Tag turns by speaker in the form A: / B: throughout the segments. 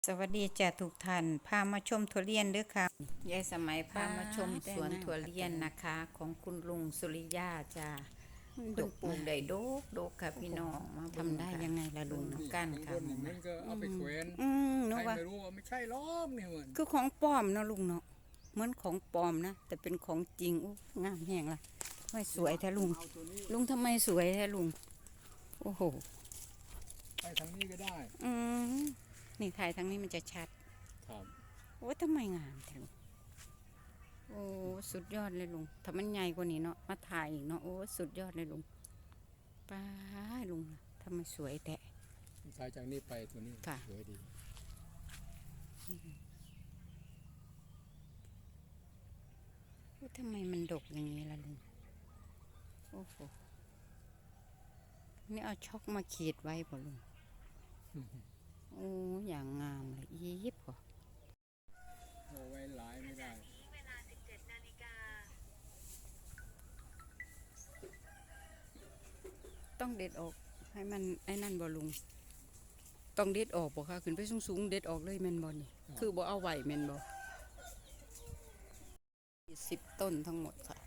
A: สวัสดีจ้ะทุกท่านพามาชมทุเรียนด้วยค่ะยายสมัยพามาชมสวนทุเรียนนะคะ ของคุณลุงสุริยาจ้ะคุณปลูกได้โดกค่ะพี่น้องมาทำได้ยังไงล่ะลุงก้านค่ะ
B: นี่มันก็เอาไปแขวน
A: นึ
B: ใคร
A: กว่า
B: ไม่รู้ว่าไม่ใช่ล้อมนี่เหมือน
A: คือของปลอมเนาะลุงเนาะเหมือนของปลอมนะแต่เป็นของจริงอู้งามแหงล่ะไม่สวยแท้ลุง
B: เอาตัวนี้
A: ลุงทำไมสวยแท้ลุงโอ้โห
B: ไปทางนี้ก็ได้
A: อืมนี่ถ่ายทางนี้มันจะชัด
B: ครับ
A: โอ้ทำไมงามแท้ลุงโอ้สุดยอดเลยลุงถ้ามันใหญ่กว่านี้เนาะมาถ่ายอีกเนาะโอ้สุดยอดเลยลุงป้าลุงทำไมสวยแท้
B: สายจากนี้ไปตัวนี้สวยดี
A: ทำไมมันดกอย่างนี้ล่ะลุงโอ้โหนี่เอาช็อกมาขีดไว้ป่ะลุงโอ้อย่างงามเลยยิบป่ะ
B: เอาไว้หลายไม่ได้
A: ต้องเด็ดออกให้มันไอ้นั่นบ่ลุงต้องเด็ดออกบ่ค่ะขึ้นไปสูงๆเด็ดออกเลยแม่นบ่นี่คือบ่เอาไว้แม่นบ่10 ต้นทั้งหมดค่ะ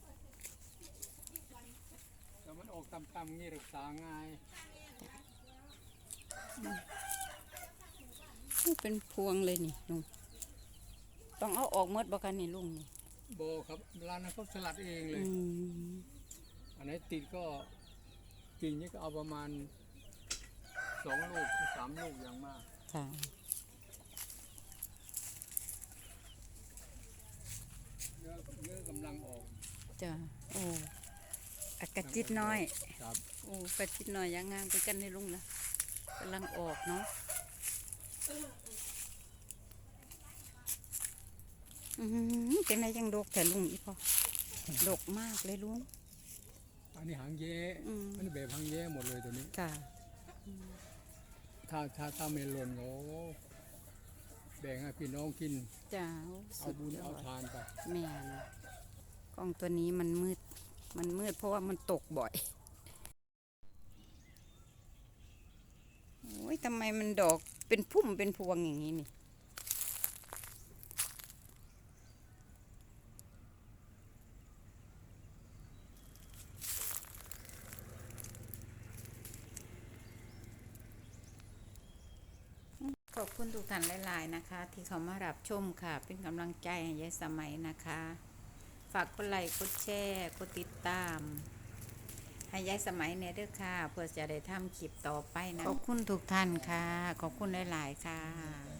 B: แต่มันออกต่ำๆงี้รักษาง่าย
A: เป็นพวงเลยนี่ลุงต้องเอาออกหมดบ่กันนี่ลุงนี่
B: โบครับร้านนั้นเขาสลัดเองเลยอันไหนติดก็กิ่งนี้ก็เอาประมาณ2 ลูก3 ลูกอย่างมาก
A: ค่ะ
B: เนื้อกำลังออก
A: จ้ะโอ้กระจิตน้อย
B: ครับ
A: โอ้กระจิตน้อยยังงามไปกันในลุงนะกำลังออกเนาะเป็นไรยังดกแต่ลุงอีพอดกมากเลยลุง
B: อันนี้หางแย้อันนี้แบบหางแย้หมดเลยตัวนี้
A: ค่ะ
B: ถ้าเมลอนเขาแบ่งให้พี่น้องกิน
A: จ้า
B: เอาบุญเอาทานไป
A: แม่นกล้องตัวนี้มันมืดเพราะว่ามันตกบ่อยโอ้ยทำไมมันดอกเป็นพุ่มเป็นพวงอย่างนี้นี่ขอบคุณทุกท่านหลายๆนะคะ ที่เขามารับชมค่ะ เป็นกำลังใจให้ยายสมัยนะคะ ฝากกดไลค์กดแชร์กดติดตามให้ยายสมัยเนี่ยด้วยค่ะ เพื่อจะได้ทำคลิปต่อไปนะขอบคุณทุกท่านค่ะ ขอบคุณหลายๆค่ะ